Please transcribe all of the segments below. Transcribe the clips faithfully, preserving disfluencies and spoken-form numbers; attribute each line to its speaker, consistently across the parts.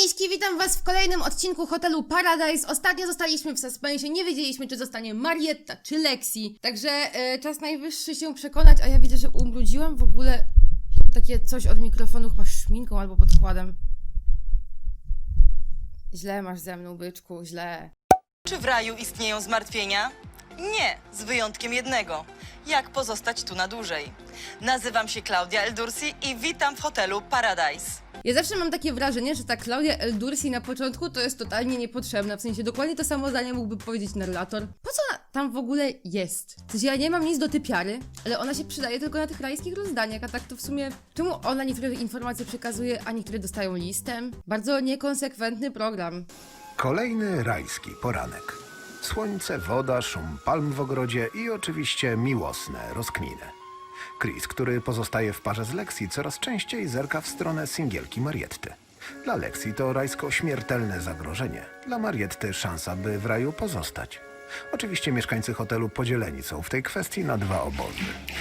Speaker 1: Miśki, witam was w kolejnym odcinku Hotelu Paradise. Ostatnio zostaliśmy w suspensie, nie wiedzieliśmy, czy zostanie Marietta, czy Lexi. Także e, czas najwyższy się przekonać, a ja widzę, że ubrudziłam w ogóle takie coś od mikrofonu, chyba szminką albo podkładem. Źle masz ze mną, byczku, źle.
Speaker 2: Czy w raju istnieją zmartwienia? Nie, z wyjątkiem jednego. Jak pozostać tu na dłużej? Nazywam się Klaudia Eldursi i witam w Hotelu Paradise.
Speaker 1: Ja zawsze mam takie wrażenie, że ta Klaudia Eldursi na początku to jest totalnie niepotrzebna. W sensie dokładnie to samo zdanie mógłby powiedzieć narrator. Po co ona tam w ogóle jest? W sensie ja nie mam nic do typiary, ale ona się przydaje tylko na tych rajskich rozdaniach, a tak to w sumie czemu ona niektóre informacje przekazuje, a niektóre dostają listem? Bardzo niekonsekwentny program.
Speaker 3: Kolejny rajski poranek. Słońce, woda, szum palm w ogrodzie i oczywiście miłosne rozkminy. Chris, który pozostaje w parze z Lexi, coraz częściej zerka w stronę singielki Marietty. Dla Lexi to rajsko śmiertelne zagrożenie. Dla Marietty szansa, by w raju pozostać. Oczywiście mieszkańcy hotelu podzieleni są w tej kwestii na dwa obozy.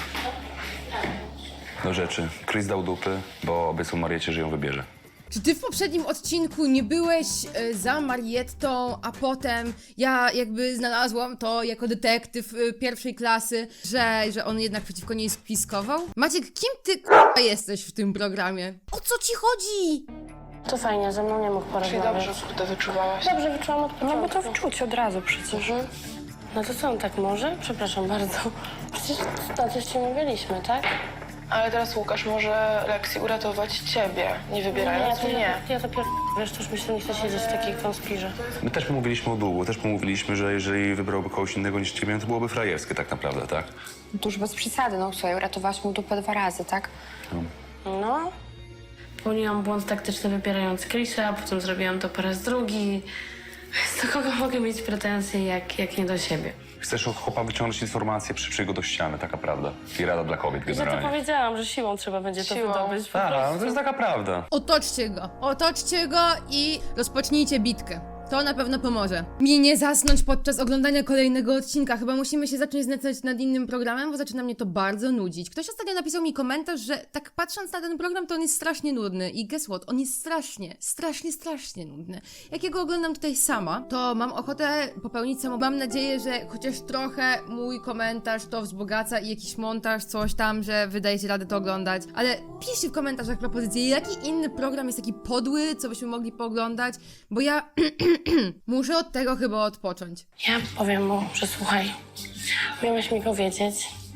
Speaker 4: Do rzeczy. Chris dał dupy, bo obiecał Mariecie, że ją wybierze.
Speaker 1: Czy ty w poprzednim odcinku nie byłeś e, za Mariettą, a potem ja jakby znalazłam to jako detektyw e, pierwszej klasy, że, że on jednak przeciwko niej spiskował? Maciek, kim ty k***a jesteś w tym programie? O co ci chodzi?
Speaker 5: To fajnie, ze mną nie mógł
Speaker 6: Czy
Speaker 5: porozmawiać.
Speaker 6: dobrze kurde wyczuwałaś?
Speaker 5: Dobrze wyczułam od początku.
Speaker 6: No bo to wczuć od razu przecież.
Speaker 5: Mhm. No to co on tak może? Przepraszam bardzo. Przecież na coś ci mówiliśmy, tak?
Speaker 6: Ale teraz Łukasz może Lexi uratować ciebie, nie wybierając
Speaker 5: to
Speaker 6: mnie.
Speaker 5: Ja, ja to pier... Wiesz, to już mi się nie chce siedzieć w takiej konspirze.
Speaker 4: My też pomówiliśmy o długu, też pomówiliśmy, że jeżeli wybrałby kogoś innego niż ciebie, to byłoby frajerskie tak naprawdę, tak?
Speaker 7: No to już bez przesady, no słuchaj, uratowałaś mu dupę dwa razy, tak?
Speaker 5: No. Popełniłam błąd taktyczny wybierając Chrisa, potem zrobiłam to po raz drugi. Do kogo mogę mieć pretensje, jak, jak nie do siebie?
Speaker 4: Chcesz od chłopa wyciągnąć informacje, przyprzyj go do ściany, taka prawda. I rada dla kobiet
Speaker 5: Ja to
Speaker 4: generalnie.
Speaker 5: powiedziałam, że siłą trzeba będzie to
Speaker 6: Siłą.
Speaker 5: wydobyć. Po
Speaker 4: Tak, no
Speaker 5: prostu.
Speaker 4: to jest taka prawda.
Speaker 1: Otoczcie go, otoczcie go i rozpocznijcie bitkę. To na pewno pomoże. Mi nie zasnąć podczas oglądania kolejnego odcinka. Chyba musimy się zacząć znęcać nad innym programem, bo zaczyna mnie to bardzo nudzić. Ktoś ostatnio napisał mi komentarz, że tak patrząc na ten program, to on jest strasznie nudny. I guess what? On jest strasznie, strasznie, strasznie nudny. Jak ja go oglądam tutaj sama, to mam ochotę popełnić samo. Mam nadzieję, że chociaż trochę mój komentarz to wzbogaca i jakiś montaż, coś tam, że wydajecie radę to oglądać. Ale piszcie w komentarzach propozycje, jaki inny program jest taki podły, co byśmy mogli pooglądać, bo ja muszę od tego chyba odpocząć.
Speaker 5: Ja powiem mu, że słuchaj, miałeś mi powiedzieć,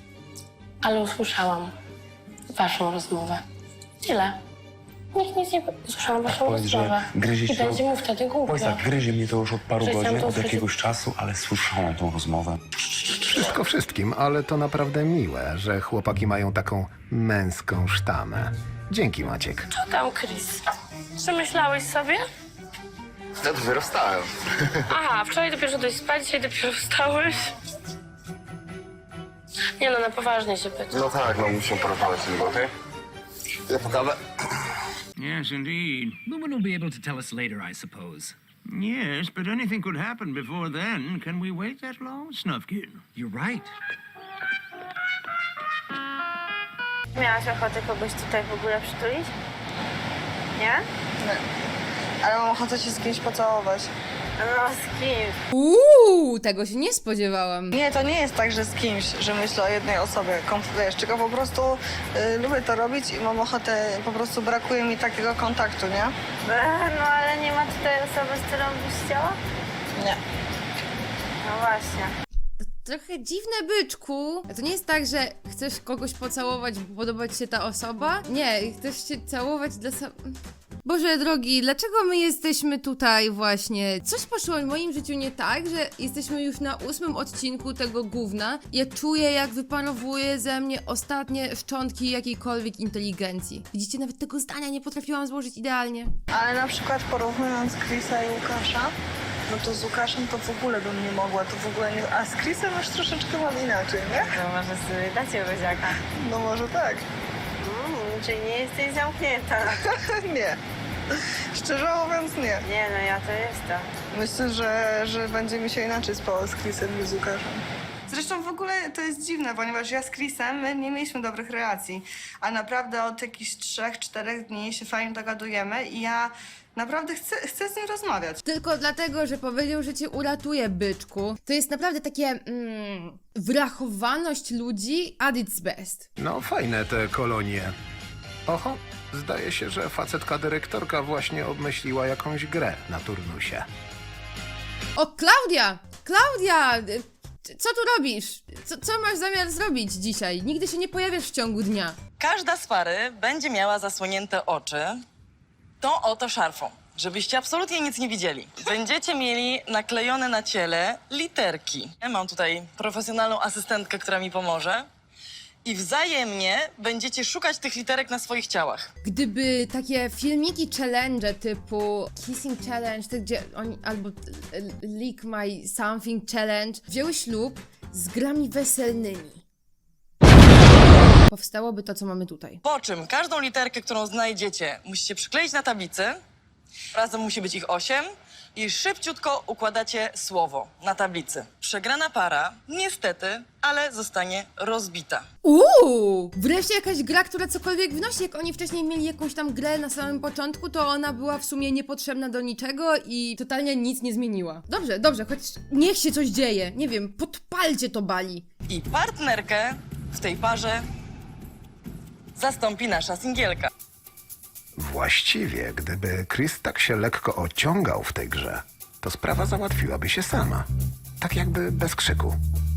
Speaker 5: ale usłyszałam waszą rozmowę. Tyle. Nikt nic nie... Usłyszałam waszą
Speaker 4: Powiedz, że
Speaker 5: rozmowę.
Speaker 4: gryzie
Speaker 5: I
Speaker 4: się-
Speaker 5: będzie mu wtedy głupio.
Speaker 4: Powiedz tak, gryzie mnie to już od paru
Speaker 5: Że chciałam
Speaker 4: godzin,
Speaker 5: to
Speaker 4: od
Speaker 5: usłyszeć.
Speaker 4: jakiegoś czasu, ale słyszałam tą rozmowę.
Speaker 3: Wszystko wszystkim, ale to naprawdę miłe, że chłopaki mają taką męską sztamę. Dzięki, Maciek.
Speaker 5: Co tam, Chris? Przemyślałeś sobie?
Speaker 8: Ja dopiero wstałem.
Speaker 5: Aha, wczoraj dopiero szedłeś spać, dzisiaj dopiero wstałeś. Nie no, na poważnie się pytam.
Speaker 8: No tak, no musimy porozmawiać z nim, okej? Ja po kawę.
Speaker 9: Yes, indeed. Lumen will be able to tell us later, I suppose. Yes, but anything could happen before then. Can we wait that long, Snufkin? You're right.
Speaker 10: Miałaś ochotę kogoś tutaj w ogóle przytulić? Nie?
Speaker 6: Ale mam ochotę się z kimś pocałować.
Speaker 10: No z kim?
Speaker 1: Uuu, tego się nie spodziewałam.
Speaker 6: Nie, to nie jest tak, że z kimś, że myślę o jednej osobie, konfidujesz, tylko po prostu y, lubię to robić i mam ochotę, po prostu brakuje mi takiego kontaktu, nie?
Speaker 10: E, No ale nie ma tutaj osoby, z którą byś chciała?
Speaker 6: Nie.
Speaker 10: No właśnie.
Speaker 1: Trochę dziwne, byczku. A to nie jest tak, że chcesz kogoś pocałować, bo podoba ci się ta osoba? Nie, chcesz się całować dla sam... Boże drogi, dlaczego my jesteśmy tutaj właśnie? Coś poszło w moim życiu nie tak, że jesteśmy już na ósmym odcinku tego gówna. Ja czuję, jak wyparowuje ze mnie ostatnie szczątki jakiejkolwiek inteligencji. Widzicie, nawet tego zdania nie potrafiłam złożyć idealnie.
Speaker 6: Ale na przykład porównując Chrisa i Łukasza, no to z Łukaszem to w ogóle bym nie mogła, to w ogóle nie... A z Chrisem już troszeczkę mam inaczej, nie?
Speaker 10: To może sobie dacie buziaka.
Speaker 6: No może tak.
Speaker 10: Mm, czyli nie jesteś zamknięta.
Speaker 6: Nie. Szczerze mówiąc nie.
Speaker 10: Nie, no ja to jestem.
Speaker 6: Myślę, że, że będzie mi się inaczej spało z Chrisem niż z Łukaszem. Zresztą w ogóle to jest dziwne, ponieważ ja z Chrisem my nie mieliśmy dobrych relacji, a naprawdę od jakichś trzech, czterech dni się fajnie dogadujemy i ja Naprawdę chcę, chcę z nim rozmawiać.
Speaker 1: Tylko dlatego, że powiedział, że cię uratuje, byczku. To jest naprawdę takie mm, wrachowaność ludzi at its best.
Speaker 3: No fajne te kolonie. Oho, zdaje się, że facetka dyrektorka właśnie obmyśliła jakąś grę na turnusie.
Speaker 1: O, Klaudia! Klaudia! y, Co tu robisz? Co, co masz zamiar zrobić dzisiaj? Nigdy się nie pojawiasz w ciągu dnia.
Speaker 2: Każda z pary będzie miała zasłonięte oczy tą oto szarfą, żebyście absolutnie nic nie widzieli. Będziecie mieli naklejone na ciele literki. Ja mam tutaj profesjonalną asystentkę, która mi pomoże. I wzajemnie będziecie szukać tych literek na swoich ciałach.
Speaker 1: Gdyby takie filmiki challenge typu Kissing Challenge, te gdzie oni, albo e, Lick My Something Challenge, wzięły ślub z grami weselnymi. Powstałoby to, co mamy tutaj.
Speaker 2: Po czym każdą literkę, którą znajdziecie, musicie przykleić na tablicy. Razem musi być ich osiem. I szybciutko układacie słowo na tablicy. Przegrana para, niestety, ale zostanie rozbita.
Speaker 1: Uuu! Wreszcie jakaś gra, która cokolwiek wnosi. Jak oni wcześniej mieli jakąś tam grę na samym początku, to ona była w sumie niepotrzebna do niczego i totalnie nic nie zmieniła. Dobrze, dobrze, choć niech się coś dzieje. Nie wiem, podpalcie to bali.
Speaker 2: I partnerkę w tej parze zastąpi nasza singielka.
Speaker 3: Właściwie, gdyby Chris tak się lekko ociągał w tej grze, to sprawa załatwiłaby się sama. Tak jakby bez krzyku.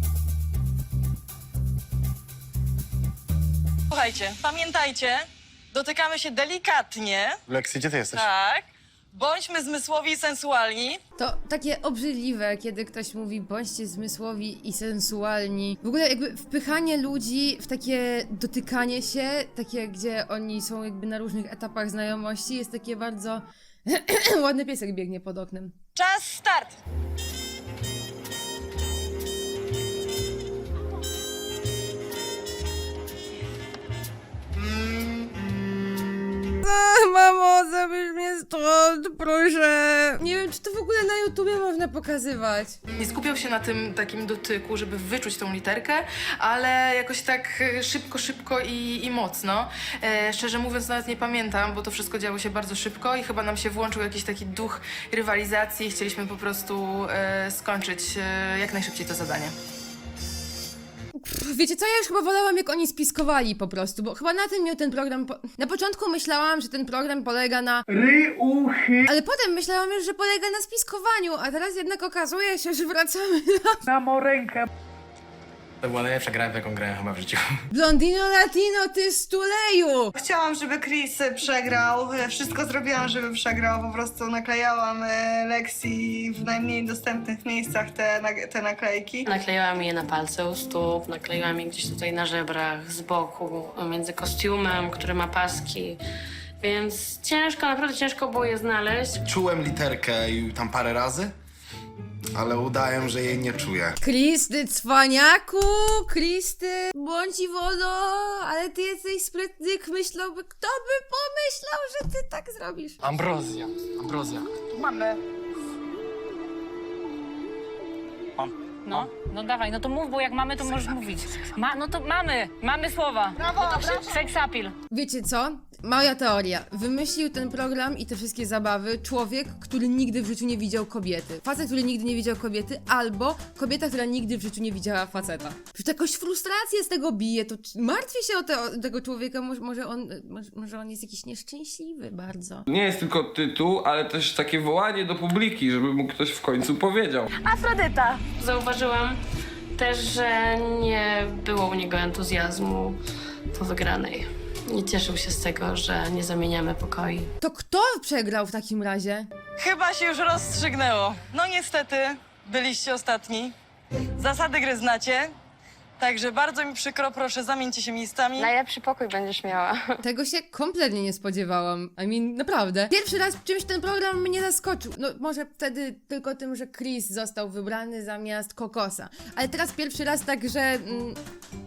Speaker 2: Słuchajcie, pamiętajcie, dotykamy się delikatnie.
Speaker 8: Lexi, gdzie ty jesteś?
Speaker 2: Tak. Bądźmy zmysłowi i sensualni.
Speaker 1: To takie obrzydliwe, kiedy ktoś mówi bądźcie zmysłowi i sensualni. W ogóle jakby wpychanie ludzi w takie dotykanie się, takie gdzie oni są jakby na różnych etapach znajomości, jest takie bardzo... Ładny piesek biegnie pod oknem.
Speaker 2: Czas, start!
Speaker 1: Mamo, zabierz mnie stąd, proszę. Nie wiem, czy to w ogóle na YouTubie można pokazywać.
Speaker 11: Nie skupiał się na tym takim dotyku, żeby wyczuć tą literkę, ale jakoś tak e, szybko, szybko i, i mocno. E, szczerze mówiąc, nawet nie pamiętam, bo to wszystko działo się bardzo szybko i chyba nam się włączył jakiś taki duch rywalizacji i chcieliśmy po prostu e, skończyć e, jak najszybciej to zadanie.
Speaker 1: Pff, wiecie co, ja już chyba wolałam, jak oni spiskowali po prostu, bo chyba na tym miał ten program... Po... Na początku myślałam, że ten program polega na... Ryuchy. Ale potem myślałam już, że polega na spiskowaniu, a teraz jednak okazuje się, że wracamy na...
Speaker 12: To była najlepsza gra, w jaką grałem chyba w życiu.
Speaker 1: Blondino Latino, ty stuleju!
Speaker 6: Chciałam, żeby Chris przegrał. Wszystko zrobiłam, żeby przegrał. Po prostu naklejałam e, Lexi w najmniej dostępnych miejscach te, na- te naklejki.
Speaker 5: Nakleiłam je na palce u stóp, nakleiłam je gdzieś tutaj na żebrach, z boku, między kostiumem, który ma paski. Więc ciężko, naprawdę ciężko było je znaleźć.
Speaker 8: Czułem literkę i tam parę razy, ale udaję, że jej nie czuję.
Speaker 1: Chris, ty cwaniaku! Chris, ty bądź i wodo, ale ty jesteś sprytny, myślałby, kto by pomyślał, że ty tak zrobisz?
Speaker 12: Ambrozja. Ambrozja.
Speaker 10: No, no dawaj, no to mów, bo jak mamy, to możesz mówić. Ma, no to mamy, mamy słowa. Brawo, brawo. Sex appeal.
Speaker 1: Wiecie co? Moja teoria. Wymyślił ten program i te wszystkie zabawy człowiek, który nigdy w życiu nie widział kobiety. Facet, który nigdy nie widział kobiety, albo kobieta, która nigdy w życiu nie widziała faceta. Przecież jakoś frustrację z tego bije, to c- martwię się o, te, o tego człowieka, może, może, on, może, może on jest jakiś nieszczęśliwy bardzo.
Speaker 13: Nie jest tylko tytuł, ale też takie wołanie do publiki, żeby mu ktoś w końcu powiedział.
Speaker 10: Afrodyta.
Speaker 5: Zauważyłam też, że nie było u niego entuzjazmu po wygranej. Nie cieszył się z tego, że nie zamieniamy pokoi.
Speaker 1: To kto przegrał w takim razie?
Speaker 2: Chyba się już rozstrzygnęło. No niestety, byliście ostatni. Zasady gry znacie. Także bardzo mi przykro, proszę zamieńcie się miejscami.
Speaker 7: Najlepszy pokój będziesz miała.
Speaker 1: Tego się kompletnie nie spodziewałam. I mean, naprawdę. Pierwszy raz czymś ten program mnie zaskoczył. No może wtedy tylko tym, że Chris został wybrany zamiast Kokosa. Ale teraz pierwszy raz tak, że... Mm,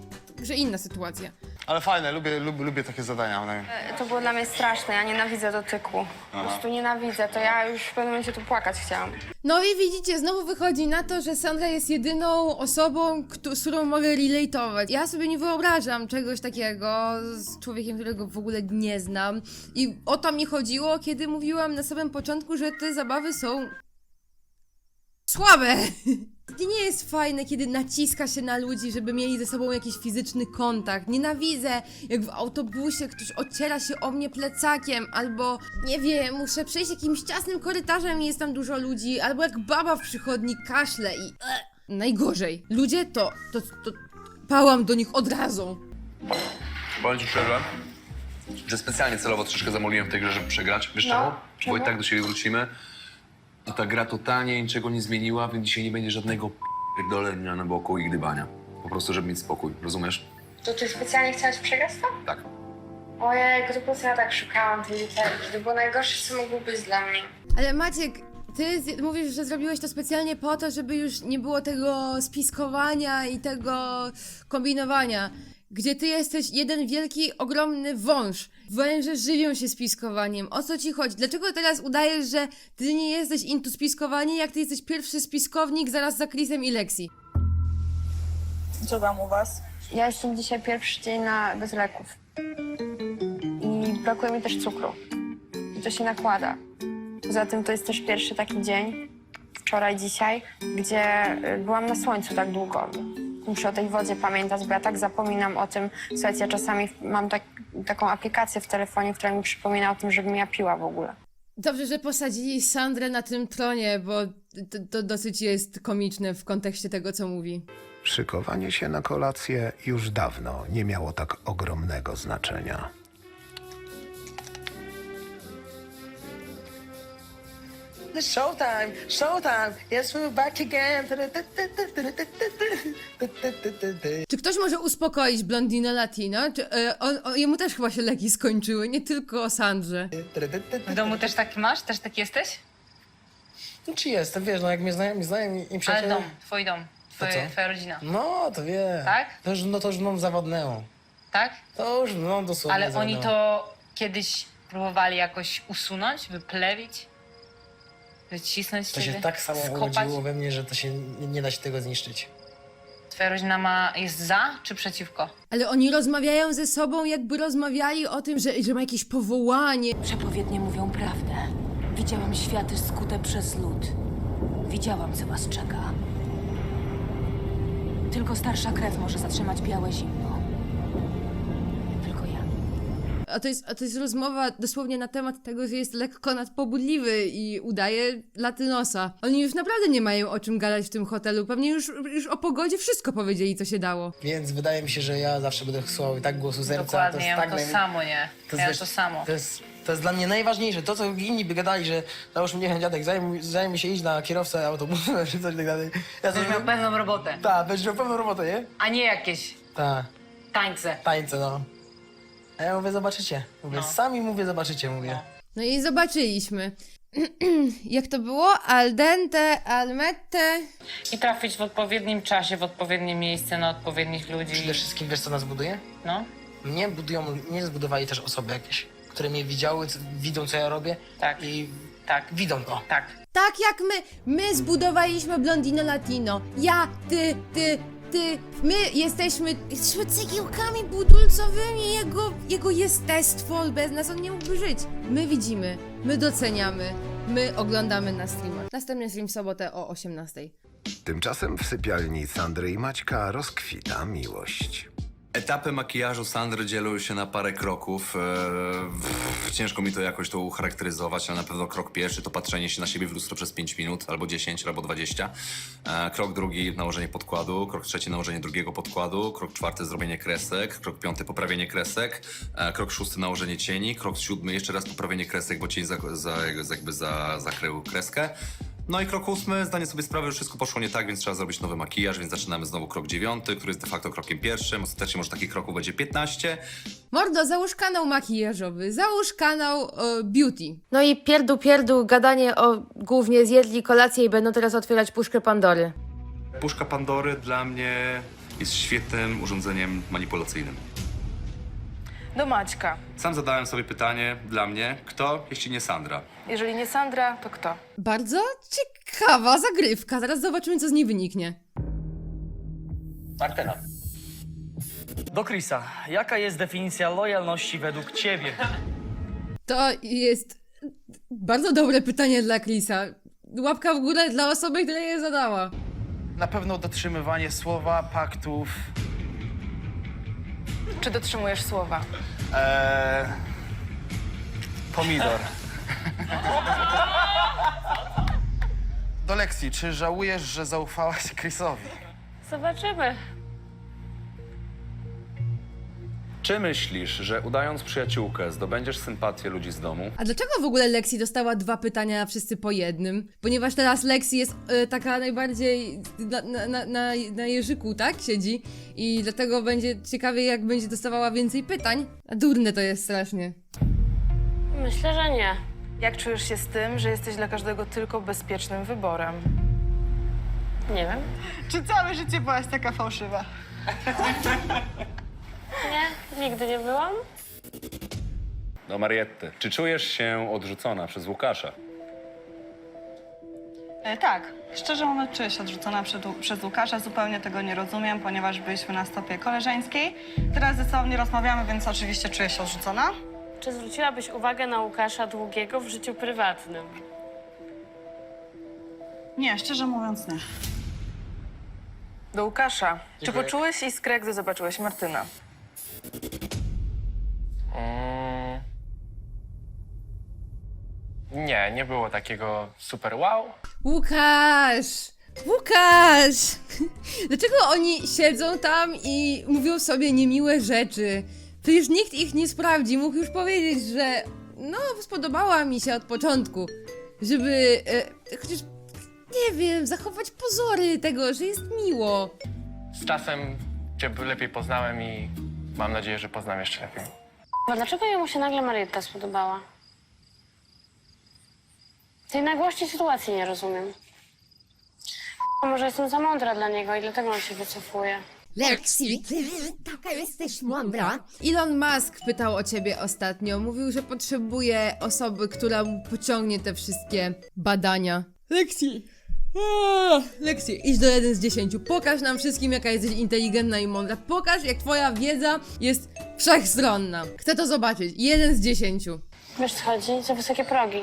Speaker 1: że inna sytuacja.
Speaker 8: Ale fajne, lubię, lubię, lubię takie zadania. One...
Speaker 7: To było dla mnie straszne, ja nienawidzę dotyku. Po prostu nienawidzę, to ja już w pewnym momencie tu płakać chciałam.
Speaker 1: No i widzicie, znowu wychodzi na to, że Sandra jest jedyną osobą, któ- z którą mogę relatować. Ja sobie nie wyobrażam czegoś takiego z człowiekiem, którego w ogóle nie znam. I o to mi chodziło, kiedy mówiłam na samym początku, że te zabawy są słabe. Nie jest fajne, kiedy naciska się na ludzi, żeby mieli ze sobą jakiś fizyczny kontakt. Nienawidzę, jak w autobusie ktoś ociera się o mnie plecakiem, albo, nie wiem, muszę przejść jakimś ciasnym korytarzem i jest tam dużo ludzi, albo jak baba w przychodni kaszle i... E, najgorzej. Ludzie to, to, to... Pałam do nich od razu.
Speaker 4: Powiem ci szczerze, że specjalnie celowo troszeczkę zamoliłem w tej grze, żeby przegrać. Wiesz
Speaker 7: No,
Speaker 4: czemu?
Speaker 7: czemu?
Speaker 4: Bo i tak do siebie wrócimy. I ta gra totalnie niczego nie zmieniła, więc dzisiaj nie będzie żadnego p***dolenia na boku i gdybania. Po prostu, żeby mieć spokój, rozumiesz?
Speaker 7: To ty specjalnie chciałeś przegrać to?
Speaker 4: Tak.
Speaker 7: Ojej, to po prostu ja tak szukałam tej literki. To było najgorsze, co mogło być dla mnie.
Speaker 1: Ale Maciek, ty z- mówisz, że zrobiłeś to specjalnie po to, żeby już nie było tego spiskowania i tego kombinowania. Gdzie ty jesteś jeden wielki, ogromny wąż. Węże żywią się spiskowaniem. O co ci chodzi? Dlaczego teraz udajesz, że ty nie jesteś into spiskowanie, jak ty jesteś pierwszy spiskownik zaraz za Chrisem i Lexi?
Speaker 2: Co tam u was?
Speaker 7: Ja jestem dzisiaj pierwszy dzień na bez leków. I brakuje mi też cukru. I to się nakłada. Poza tym to jest też pierwszy taki dzień, wczoraj, dzisiaj, gdzie y, byłam na słońcu tak długo. Muszę o tej wodzie pamiętać, bo ja tak zapominam o tym. Słuchajcie, ja czasami mam tak, taką aplikację w telefonie, która mi przypomina o tym, żebym ja piła w ogóle.
Speaker 1: Dobrze, że posadzili Sandrę na tym tronie, bo to, to dosyć jest komiczne w kontekście tego, co mówi.
Speaker 3: Szykowanie się na kolację już dawno nie miało tak ogromnego znaczenia.
Speaker 2: Showtime, showtime, yes we're back again.
Speaker 1: Czy ktoś może uspokoić blondinę Latino? Czy, e, on, on, jemu też chyba się leki skończyły, nie tylko o Sandrze.
Speaker 10: W domu też taki masz? Też taki jesteś?
Speaker 12: No czy jest, to wiesz, no jak mnie znają, znają i
Speaker 10: Ale
Speaker 12: przyjaciele...
Speaker 10: dom, twój dom, twoje,
Speaker 12: co?
Speaker 10: twoja rodzina.
Speaker 12: No, to wie.
Speaker 10: Tak?
Speaker 12: To już, no to już mną zawodnęło.
Speaker 10: Tak?
Speaker 12: To już no dosłownie
Speaker 10: Ale oni
Speaker 12: zawodnęło.
Speaker 10: to kiedyś próbowali jakoś usunąć, wyplewić? Wycisnąć
Speaker 12: To się
Speaker 10: ciebie?
Speaker 12: tak samo
Speaker 10: skopać?
Speaker 12: urodziło we mnie, że to się nie, nie da się tego zniszczyć.
Speaker 10: Twoja rodzina ma, jest za czy przeciwko?
Speaker 1: Ale oni rozmawiają ze sobą, jakby rozmawiali o tym, że, że ma jakieś powołanie.
Speaker 14: Przepowiednie mówią prawdę. Widziałam światy skute przez lód. Widziałam, co was czeka. Tylko starsza krew może zatrzymać białe zimno. Tylko ja.
Speaker 1: A to, jest, a to jest rozmowa dosłownie na temat tego, że jest lekko nadpobudliwy i udaje latynosa. Oni już naprawdę nie mają o czym gadać w tym hotelu. Pewnie już, już o pogodzie wszystko powiedzieli, co się dało.
Speaker 12: Więc wydaje mi się, że ja zawsze będę słuchał i tak głosu serca.
Speaker 10: Dokładnie,
Speaker 12: to jest
Speaker 10: ja
Speaker 12: tak
Speaker 10: mam to
Speaker 12: najmniej-
Speaker 10: samo, nie?
Speaker 12: To
Speaker 10: ja mam
Speaker 12: wiesz,
Speaker 10: to samo.
Speaker 12: To jest, to jest dla mnie najważniejsze. To, co inni by gadali, że załóżmy, niech dziadek zajmie, zajmie się iść na kierowcę autobusu czy coś tak dalej. Ja
Speaker 10: Będziesz miał pewną robotę,
Speaker 12: Tak, będziesz miał pewną robotę, nie?
Speaker 10: a nie jakieś
Speaker 12: Tak,
Speaker 10: tańce.
Speaker 12: tańce, no. A ja mówię, zobaczycie. Mówię,
Speaker 10: No.
Speaker 12: sami mówię, zobaczycie, mówię.
Speaker 1: No i zobaczyliśmy. Jak to było? Al dente, al mette.
Speaker 10: I trafić w odpowiednim czasie, w odpowiednie miejsce, na odpowiednich ludzi.
Speaker 12: Przede wszystkim wiesz, co nas buduje?
Speaker 10: No,
Speaker 12: Mnie budują, mnie zbudowali też osoby jakieś, które mnie widziały, c- widzą, co ja robię
Speaker 10: tak,
Speaker 12: i
Speaker 10: tak,
Speaker 12: widzą to.
Speaker 10: tak.
Speaker 1: Tak jak my, my zbudowaliśmy Blondinę Latino. Ja, ty, ty, ty. My jesteśmy, jesteśmy cegiełkami budulcowymi jego, jego jestestwo. Bez nas on nie mógłby żyć. My widzimy, my doceniamy, my oglądamy na streamach. Następny stream w sobotę o osiemnastej.
Speaker 3: Tymczasem w sypialni Sandry i Maćka rozkwita miłość.
Speaker 4: Etapy makijażu Sandry dzielą się na parę kroków. Eee, pff, ciężko mi to jakoś to ucharakteryzować, ale na pewno krok pierwszy to patrzenie się na siebie w lustro przez pięć minut, albo dziesięć, albo dwadzieścia. Eee, krok drugi nałożenie podkładu, krok trzeci nałożenie drugiego podkładu, krok czwarty zrobienie kresek, krok piąty poprawienie kresek, eee, krok szósty nałożenie cieni, krok siódmy jeszcze raz poprawienie kresek, bo cień za, za, jakby za, zakrył kreskę. No i krok ósmy, zdanie sobie sprawy, że wszystko poszło nie tak, więc trzeba zrobić nowy makijaż, więc zaczynamy znowu krok dziewiąty, który jest de facto krokiem pierwszym. Ostatecznie może takich kroków będzie piętnaście.
Speaker 1: Mordo, załóż kanał makijażowy, załóż kanał e, beauty. No i pierdół, pierdół, gadanie o głównie zjedli kolację i będą teraz otwierać puszkę Pandory.
Speaker 4: Puszka Pandory dla mnie Jest świetnym urządzeniem manipulacyjnym.
Speaker 11: Do Maćka.
Speaker 4: Sam zadałem sobie pytanie dla mnie, kto, jeśli nie Sandra?
Speaker 11: Jeżeli nie Sandra, to kto?
Speaker 1: Bardzo ciekawa zagrywka. Zaraz zobaczymy, co z niej wyniknie.
Speaker 15: Martyna. Do Chrisa. Jaka jest definicja lojalności według ciebie?
Speaker 1: To jest bardzo dobre pytanie dla Chrisa. Łapka w górę dla osoby, która je zadała.
Speaker 8: Na pewno dotrzymywanie słowa, paktów.
Speaker 11: Czy dotrzymujesz słowa?
Speaker 8: Eee, pomidor. Do Lexi, czy żałujesz, że zaufałaś Chrisowi?
Speaker 5: Zobaczymy.
Speaker 4: Czy myślisz, że udając przyjaciółkę zdobędziesz sympatię ludzi z domu?
Speaker 1: A dlaczego w ogóle Lexi dostała dwa pytania, a wszyscy po jednym? Ponieważ teraz Lexi jest e, taka najbardziej na, na, na, na, na jeżyku, tak? Siedzi. I dlatego będzie ciekawie, jak będzie dostawała więcej pytań. A durne to jest strasznie.
Speaker 5: Myślę, że nie.
Speaker 11: Jak czujesz się z tym, że jesteś dla każdego tylko bezpiecznym wyborem?
Speaker 5: Nie wiem.
Speaker 6: Czy całe życie byłaś taka fałszywa?
Speaker 5: Nie, nigdy nie byłam.
Speaker 4: Do Marietty. Czy czujesz się odrzucona przez Łukasza?
Speaker 6: E, tak. Szczerze mówiąc, czuję się odrzucona przed, przez Łukasza. Zupełnie tego nie rozumiem, ponieważ byliśmy na stopie koleżeńskiej. Teraz ze sobą nie rozmawiamy, więc oczywiście czuję się odrzucona.
Speaker 5: Czy zwróciłabyś uwagę na Łukasza Długiego w życiu prywatnym?
Speaker 6: Nie, szczerze mówiąc nie.
Speaker 11: Do Łukasza. Czy
Speaker 15: Dziękuję.
Speaker 11: poczułeś iskrę, gdy zobaczyłeś Martyna?
Speaker 15: Mm. Nie, nie było takiego super wow.
Speaker 1: Łukasz! Łukasz! Dlaczego oni siedzą tam i mówią sobie niemiłe rzeczy? Przecież nikt ich nie sprawdzi. Mógł już powiedzieć, że no, spodobała mi się od początku. Żeby e, chociaż, nie wiem, zachować pozory tego, że jest miło.
Speaker 15: Z czasem cię lepiej poznałem i mam nadzieję, że poznam jeszcze lepiej.
Speaker 5: A dlaczego jemu się nagle Marietta spodobała? Tej nagłości sytuacji nie rozumiem. A może jestem za mądra dla niego i dlatego on się wycofuje.
Speaker 1: Lexi, taka jesteś mądra. Elon Musk pytał o ciebie ostatnio. Mówił, że potrzebuje osoby, która mu pociągnie te wszystkie badania. Lexi! Aaa, Lexi, idź do jeden z dziesięciu. Pokaż nam wszystkim, jaka jesteś inteligentna i mądra. Pokaż, jak twoja wiedza jest wszechstronna. Chcę to zobaczyć. Jeden z dziesięciu.
Speaker 5: Wiesz co chodzi? Za wysokie progi.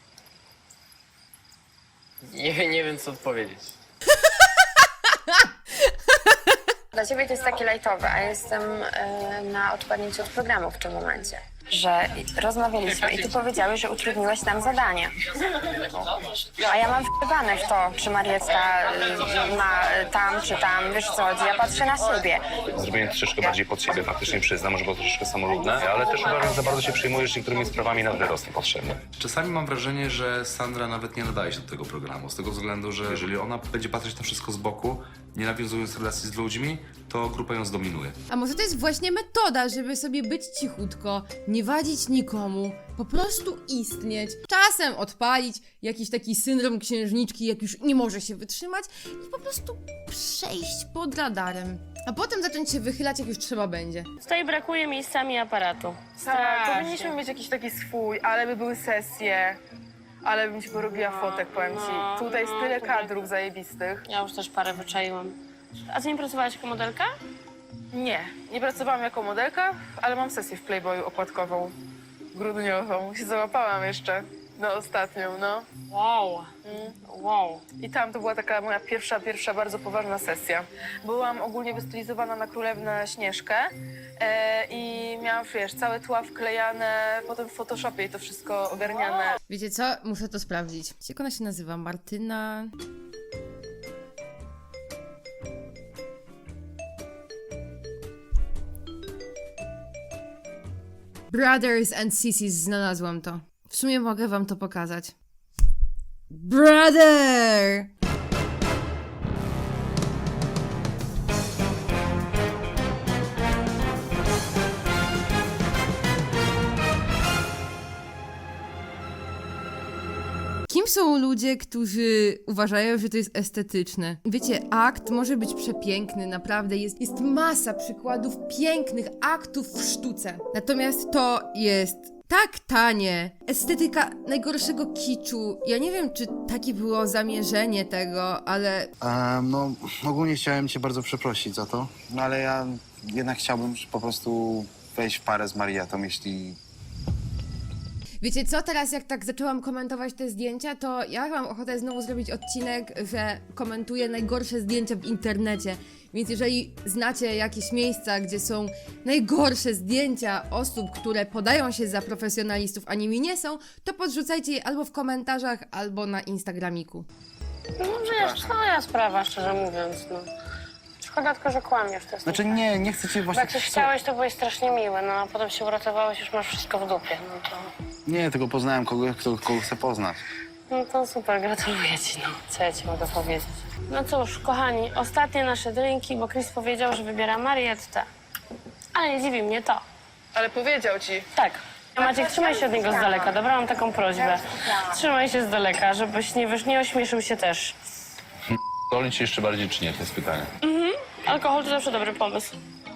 Speaker 15: Nie, nie wiem, co odpowiedzieć.
Speaker 7: Dla ciebie to jest takie lajtowe, a jestem e, na odpadnięciu od programu w tym momencie. Że rozmawialiśmy i ty powiedziałeś, że utrudniłeś nam zadanie. A ja mam wpływane w to, czy Marietta y, ma tam, czy tam, wiesz co chodzi, ja patrzę na siebie.
Speaker 4: Zrobienie troszeczkę bardziej pod siebie, faktycznie przyznam, że było troszeczkę samolubne, ale też uważam, że za bardzo się przejmujesz niektórymi sprawami nad wyrost niepotrzebnie. Czasami mam wrażenie, że Sandra nawet nie nadaje się do tego programu, z tego względu, że jeżeli ona będzie patrzeć na wszystko z boku, nie nawiązując relacji z ludźmi, to grupa ją zdominuje.
Speaker 1: A może to jest właśnie metoda, żeby sobie być cichutko, nie wadzić nikomu, po prostu istnieć, czasem odpalić jakiś taki syndrom księżniczki, jak już nie może się wytrzymać i po prostu przejść pod radarem. A potem zacząć się wychylać, jak już trzeba będzie.
Speaker 5: Tutaj brakuje miejscami aparatu.
Speaker 11: Tak,
Speaker 5: Strasznie.
Speaker 11: powinniśmy mieć jakiś taki swój, ale by były sesje. Ale bym ci porobiła fotek, powiem ci.
Speaker 5: no,
Speaker 11: Tutaj jest
Speaker 5: no,
Speaker 11: tyle
Speaker 5: tutaj-
Speaker 11: kadrów zajebistych.
Speaker 5: Ja już też parę wyczaiłam. A ty nie pracowałaś jako modelka?
Speaker 11: Nie, nie pracowałam jako modelka, ale mam sesję w Playboyu okładkową, grudniową. Się załapałam jeszcze, no ostatnią, no.
Speaker 5: Wow. Wow.
Speaker 11: I tam to była taka moja pierwsza, pierwsza bardzo poważna sesja. Byłam ogólnie wystylizowana na Królewnę Śnieżkę e, i miałam, wiesz, całe tła wklejane, potem w Photoshopie i to wszystko ogarniane.
Speaker 1: Wiecie co? Muszę to sprawdzić. Jak ona się nazywa? Martyna... Brothers and Sissies, znalazłam to. W sumie mogę wam to pokazać. Brother! Kim są ludzie, którzy uważają, że to jest estetyczne. Wiecie, akt może być przepiękny, naprawdę. Jest, jest masa przykładów pięknych aktów w sztuce. Natomiast to jest tak tanie. Estetyka najgorszego kiczu. Ja nie wiem, czy takie było zamierzenie tego, ale...
Speaker 8: Um, no, ogólnie chciałem cię bardzo przeprosić za to, no ale ja jednak chciałbym po prostu wejść w parę z Marietą, jeśli...
Speaker 1: Wiecie co, teraz jak tak zaczęłam komentować te zdjęcia, to ja mam ochotę znowu zrobić odcinek, że komentuję najgorsze zdjęcia w internecie. Więc jeżeli znacie jakieś miejsca, gdzie są najgorsze zdjęcia osób, które podają się za profesjonalistów, a nimi nie są, to podrzucajcie je albo w komentarzach, albo na Instagramiku.
Speaker 5: No wiesz, twoja sprawa, szczerze mówiąc, no. Szkoda tylko, że kłamiesz, to jest
Speaker 8: Znaczy nie, nie chcę cię
Speaker 5: Bo
Speaker 8: właśnie...
Speaker 5: jak coś chciałeś, to byłeś strasznie miły, no a potem się uratowałeś, już masz wszystko w dupie, no to...
Speaker 8: Nie, tylko poznałem kogoś, kto, kogo chcę poznać.
Speaker 5: No to super, gratuluję ci, no. Co ja ci mogę powiedzieć? No cóż, kochani, ostatnie nasze drinki, bo Chris powiedział, że wybiera Marietta. Ale nie dziwi mnie to.
Speaker 11: Ale powiedział ci.
Speaker 5: Tak. Maciek, trzymaj się od niego z daleka, dobra? Mam taką prośbę. Trzymaj się z daleka, żebyś nie, wiesz, nie ośmieszył się też.
Speaker 4: Dolić się jeszcze bardziej czy nie? To jest pytanie.
Speaker 5: Mhm. Alkohol to zawsze dobry pomysł.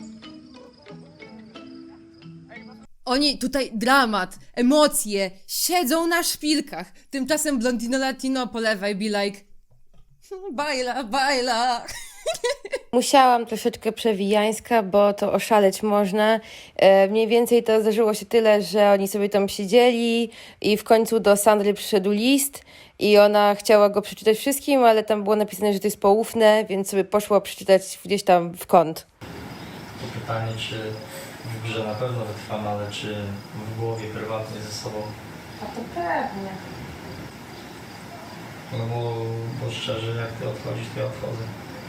Speaker 1: Oni tutaj dramat, emocje, siedzą na szpilkach. Tymczasem Blondino Latino po lewej be like... Bajla, bajla.
Speaker 7: Musiałam troszeczkę przewijańska, bo to oszaleć można. E, mniej więcej to zdarzyło się tyle, że oni sobie tam siedzieli i w końcu do Sandry przyszedł list i ona chciała go przeczytać wszystkim, ale tam było napisane, że to jest poufne, więc sobie poszła przeczytać gdzieś tam w kąt.
Speaker 15: To pytanie, czy w grze na pewno wytrwam, ale czy w głowie prywatnie ze sobą?
Speaker 7: A to pewnie.
Speaker 15: No bo, bo szczerze, jak ty odchodzisz, to ja odchodzę.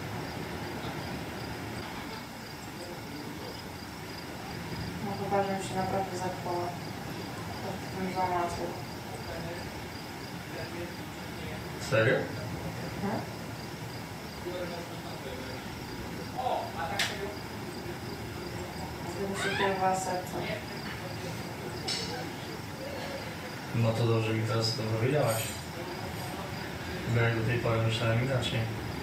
Speaker 7: No chyba, że się naprawdę zapała. To bym złamała sobie.
Speaker 15: Serio?
Speaker 7: Mhm. Gdyby się kierowała sercem.
Speaker 15: No to dobrze mi teraz to powiedziałaś. Bo jak do tej pory myślałem inaczej.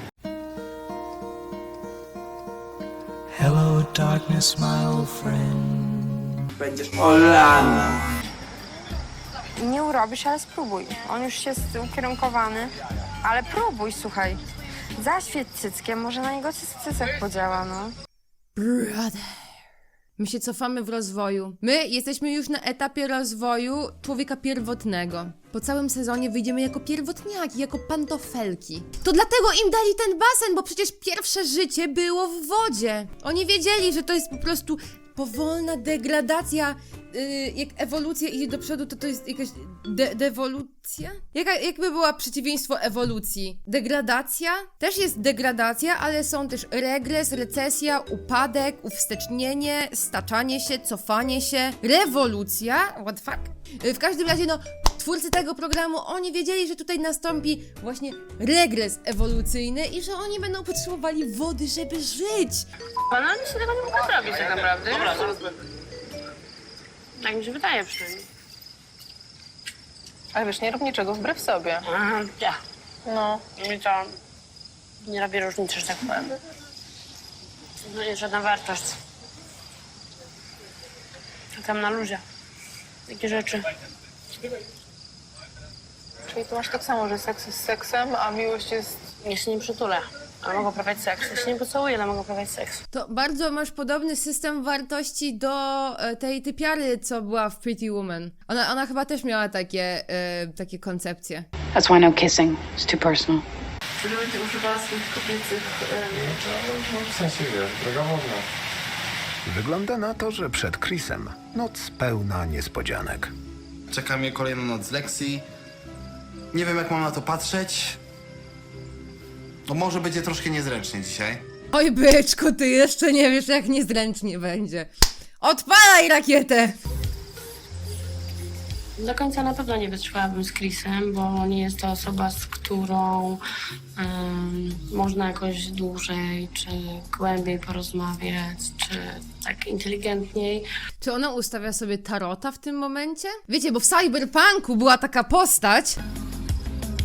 Speaker 16: Hello darkness, my old friend.
Speaker 12: Będziesz Olana.
Speaker 7: Nie urobisz, ale spróbuj. On już jest ukierunkowany, ale próbuj, słuchaj. Zaświeć cyckiem, może na niego cy- cycek podziała, no.
Speaker 1: Brother. My się cofamy w rozwoju. My jesteśmy już na etapie rozwoju człowieka pierwotnego. Po całym sezonie wyjdziemy jako pierwotniaki, jako pantofelki. To dlatego im dali ten basen, bo przecież pierwsze życie było w wodzie. Oni wiedzieli, że to jest po prostu powolna degradacja. Yy, jak ewolucja idzie do przodu, to to jest jakaś de dewolucja? Jaka, jakby była przeciwieństwo ewolucji? Degradacja? Też jest degradacja, ale są też regres, recesja, upadek, uwstecznienie, staczanie się, cofanie się, rewolucja? What the fuck? Yy, w każdym razie, no, twórcy tego programu, oni wiedzieli, że tutaj nastąpi właśnie regres ewolucyjny i że oni będą potrzebowali wody, żeby żyć.
Speaker 5: Pana oni się tego nie mogą zrobić tak naprawdę. Dobra, zaraz będę. Tak mi się wydaje przynajmniej.
Speaker 11: Ale wiesz, nie rób niczego wbrew sobie.
Speaker 5: Aha, ja.
Speaker 11: No.
Speaker 5: Mi to nie robi różnicy, że tak powiem. No jest żadna wartość. Tam na luzie. Takie rzeczy.
Speaker 11: Czyli tu masz tak samo, że seks jest seksem, a miłość jest...
Speaker 5: Ja się nie przytulę, ale mogę uprawiać seks. Ja się nie pocałuję, ale mogę uprawiać seks.
Speaker 1: To bardzo masz podobny system wartości do e, tej typiary, co była w Pretty Woman. Ona, ona chyba też miała takie, e, takie koncepcje.
Speaker 17: That's why no kissing. It's too personal.
Speaker 11: Czy będzie używała swoich kobiecych...
Speaker 8: W sensie, wiesz, droga wodna.
Speaker 3: Wygląda na to, że przed Chrisem noc pełna niespodzianek.
Speaker 8: Czeka mnie kolejna noc z Lexi. Nie wiem, jak mam na to patrzeć. No może będzie troszkę niezręcznie dzisiaj.
Speaker 1: Oj byczku, ty jeszcze nie wiesz, jak niezręcznie będzie. Odpalaj rakietę!
Speaker 5: Do końca na pewno nie wytrwałabym z Chrisem, bo nie jest to osoba, z którą um, można jakoś dłużej czy głębiej porozmawiać, czy tak inteligentniej.
Speaker 1: Czy ona ustawia sobie tarota w tym momencie? Wiecie, bo w Cyberpunku była taka postać,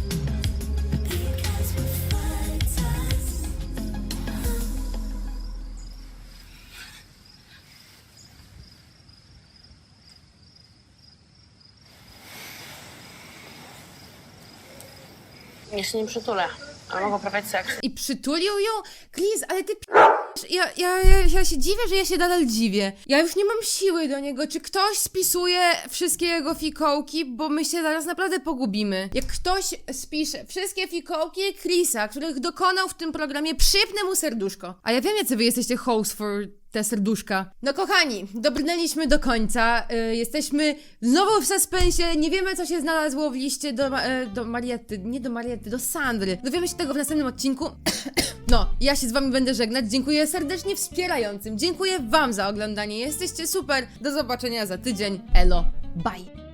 Speaker 5: Ja się nie przytulę, ale mogę uprawiać seks.
Speaker 1: I przytulił ją? Chris, ale ty p... Ja, ja, ja, ja się dziwię, że ja się nadal dziwię. Ja już nie mam siły do niego. Czy ktoś spisuje wszystkie jego fikołki? Bo my się zaraz naprawdę pogubimy. Jak ktoś spisze wszystkie fikołki Chrisa, których dokonał w tym programie, przypnę mu serduszko. A ja wiem, jacy wy jesteście host for te serduszka. No kochani, dobrnęliśmy do końca. Y, jesteśmy znowu w suspensie. Nie wiemy, co się znalazło w liście do, Ma- e, do Mariety. Nie do Mariety, do Sandry. Dowiemy się tego w następnym odcinku. No, ja się z wami będę żegnać. Dziękuję serdecznie wspierającym. Dziękuję wam za oglądanie. Jesteście super. Do zobaczenia za tydzień. Elo. Bye.